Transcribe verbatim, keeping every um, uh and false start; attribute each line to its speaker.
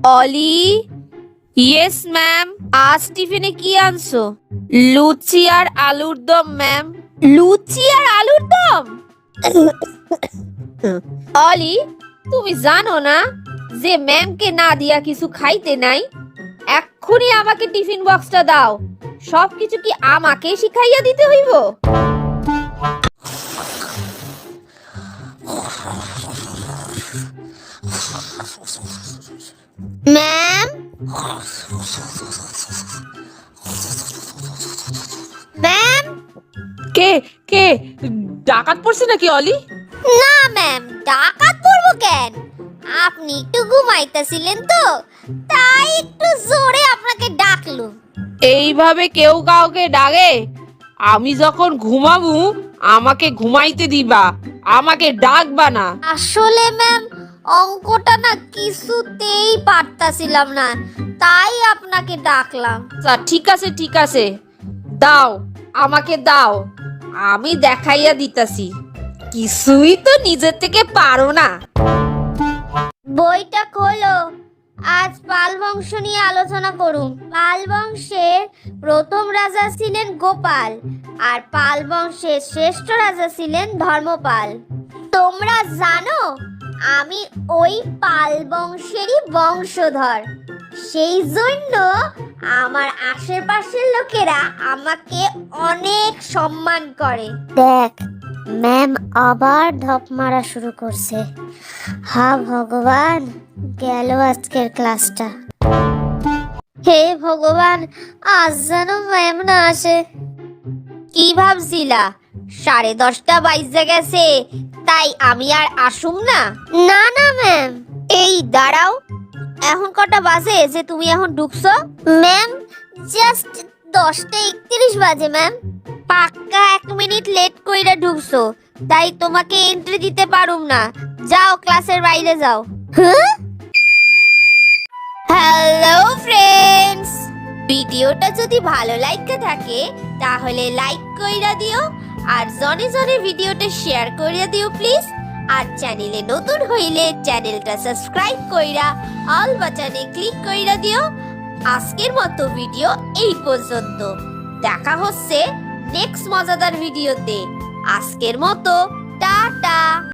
Speaker 1: অলি, yes ma'am. আজ টিফিনে কি আনছো? লুচি আর আলুর দম ম্যাম। লুচি আর আলুর দম? অলি, তুমি জানো না যে ম্যামকে না দিয়া কিছু খাইতে নাই? এক্ষুনি আমাকে টিফিন বক্সটা দাও। সবকিছু কি আমাকে শিখাইয়া দিতে হইব? Ma'am, ma'am.
Speaker 2: কে কে ডাকাত পড়ছে নাকি অলি?
Speaker 1: না ম্যাম, ডাকাত পড়বো কেন? আপনি একটু ঘুমাইতেছিলেন তো, তাই একটু জোরে আপনাকে ডাকলুম।
Speaker 2: এইভাবে কেউ কাউকে ডাকে? আমি যখন ঘুমাবো আমাকে ঘুমাইতে দিবা, আমাকে ডাকবা না।
Speaker 1: আসলে ম্যাম, অঙ্কটা না কিছুতেই পারতাছিলাম না, তাই আপনাকে ডাকলাম।
Speaker 2: আচ্ছা ঠিক আছে ঠিক আছে, দাও আমাকে দাও, আমি দেখাইয়া দিতাছি। কিছুই তো নিজের থেকে পারো না।
Speaker 1: বইটা খোলো। আজ পাল বংশ নিয়ে আলোচনা করুন। পাল বংশের প্রথম রাজা ছিলেন গোপাল, আর পাল বংশের শ্রেষ্ঠ রাজা ছিলেন ধর্মপাল। তোমরা জানো আমি ওই পাল বংশেরই বংশধর, সেই জন্য আমার আশেপাশের লোকেরা আমাকে অনেক সম্মান করে। দেখ, ম্যাম আবার ঢপ মারা শুরু করছে। হা ভগবান, গেল আজকের ক্লাসটা। হে ভগবান, আজ যেন ম্যাম না আসে। কি ভাবছিলা সাড়ে দশটা বাইজে গেছে তাই আমি আর আসুম না? না না ম্যাম। এই দাঁড়াও, এখন কটা বাজে যে তুমি এখন ঢুকছো? ম্যাম, জাস্ট দশটা একত্রিশ বাজে ম্যাম। পাক্কা এক মিনিট লেট কইরা ঢুকছো, তাই তোমাকে এন্ট্রি দিতে পারুম না। যাও, ক্লাসের বাইরে যাও। হ্যালো ফ্রেন্ডস, ভিডিওটা যদি ভালো লাগতে থাকে তাহলে লাইক কইরা দিও, আর জনে জনে ভিডিওটা শেয়ার কইরা দিও প্লিজ। আর চ্যানেলে নতুন হইলে চ্যানেলটা সাবস্ক্রাইব কইরা অল বাটনে ক্লিক কইরা দিও। আজকের মতো ভিডিও এই পর্যন্ত, দেখা হচ্ছে নেক্সট মজাদার ভিডিওতে। আজকের মতো টাটা।